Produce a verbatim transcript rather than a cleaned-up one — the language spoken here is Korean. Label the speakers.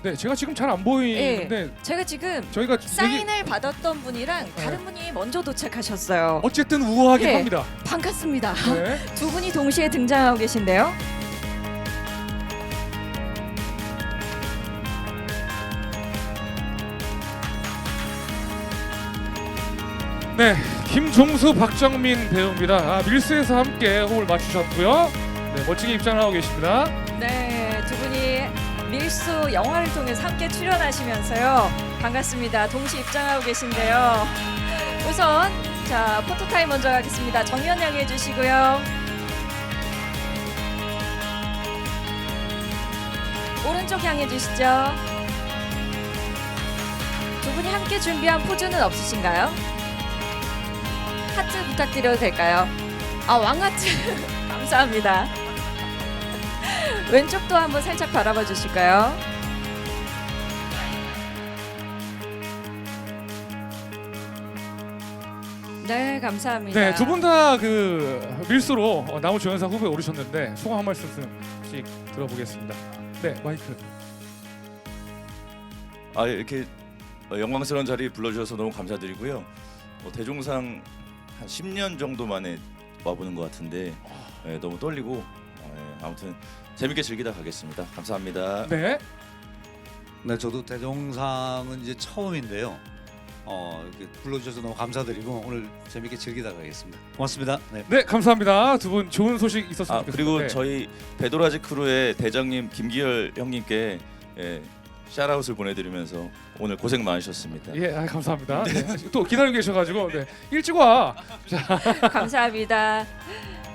Speaker 1: 네, 제가 지금 잘 안 보이는데
Speaker 2: 제가 지금
Speaker 1: 저희가
Speaker 2: 사인을
Speaker 1: 얘기,
Speaker 2: 받았던 분이랑 다른 분이 먼저 도착하셨어요.
Speaker 1: 어쨌든 우아하긴
Speaker 2: 네.
Speaker 1: 합니다.
Speaker 2: 반갑습니다.
Speaker 1: 네.
Speaker 2: 두 분이 동시에 등장하고 계신데요.
Speaker 1: 네, 김종수, 박정민 배우입니다. 아, 밀스에서 함께 호흡을 맞추셨고요. 네, 멋지게 입장을 하고 계십니다.
Speaker 2: 네, 두 분이 밀수 영화를 통해서 함께 출연하시면서요. 반갑습니다. 동시 입장하고 계신데요. 우선 자 포토타임 먼저 가겠습니다. 정면 향해 주시고요. 오른쪽 향해 주시죠. 두 분이 함께 준비한 포즈는 없으신가요? 하트 부탁드려도 될까요? 아, 왕하트 감사합니다. 왼쪽도 한번 살짝 바라봐 주실까요? 네, 감사합니다.
Speaker 1: 네, 두 분 다 그 밀수로 어, 나무 조연상 후보에 오르셨는데 소감 한 말씀씩 들어보겠습니다. 네, 마이크.
Speaker 3: 아 이렇게 어, 영광스러운 자리 불러주셔서 너무 감사드리고요. 어, 대종상 한 십 년 정도 만에 와보는 것 같은데 예, 너무 떨리고 어, 예, 아무튼 재밌게 즐기다 가겠습니다. 감사합니다.
Speaker 1: 네,
Speaker 4: 네, 저도 대종상은 이제 처음인데요. 어, 이렇게 불러주셔서 너무 감사드리고 오늘 재밌게 즐기다 가겠습니다. 고맙습니다. 네.
Speaker 1: 네, 감사합니다. 두 분 좋은 소식 있었으면
Speaker 3: 아
Speaker 1: 좋겠습니다.
Speaker 3: 그리고
Speaker 1: 네.
Speaker 3: 저희 배도라지 크루의 대장님 김기열 형님께 예, 샤라웃을 보내드리면서 오늘 고생 많으셨습니다.
Speaker 1: 예, 아, 감사합니다. 네. 또 기다리고 계셔가지고 네, 일찍 와.
Speaker 2: 감사합니다.